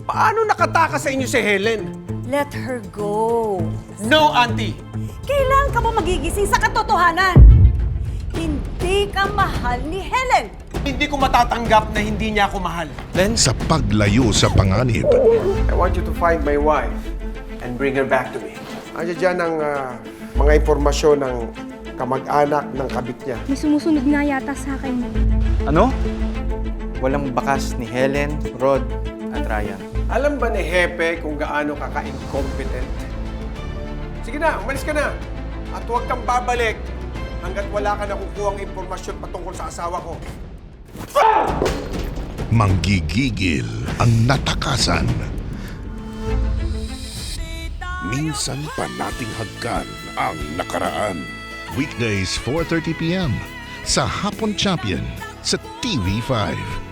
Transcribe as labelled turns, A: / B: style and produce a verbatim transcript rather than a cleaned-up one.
A: Paano nakatakas sa inyo si Helen?
B: Let her go.
A: No, Auntie!
B: Kailan ka ba magigising sa katotohanan? Hindi ka mahal ni Helen.
A: Hindi ko matatanggap na hindi niya ako mahal.
C: Sa paglayo sa panganib,
D: I want you to find my wife and bring her back to me. Andiyan dyan ang ah, mga impormasyon ng kamag-anak ng kabit niya.
E: May sumusunod nga yata sa akin.
F: Ano? Walang bakas ni Helen, Rod, at Ryan.
D: Alam ba ni Hepe kung gaano ka ka-incompetent? Sige na, umalis ka na. At huwag kang babalik hanggat wala ka nakukuhang impormasyon patungkol sa asawa ko.
C: manggigigil ang natakasan. Minsan pa nating hagkan ang nakaraan. Weekdays four thirty p m sa Hapon Champion sa T V five.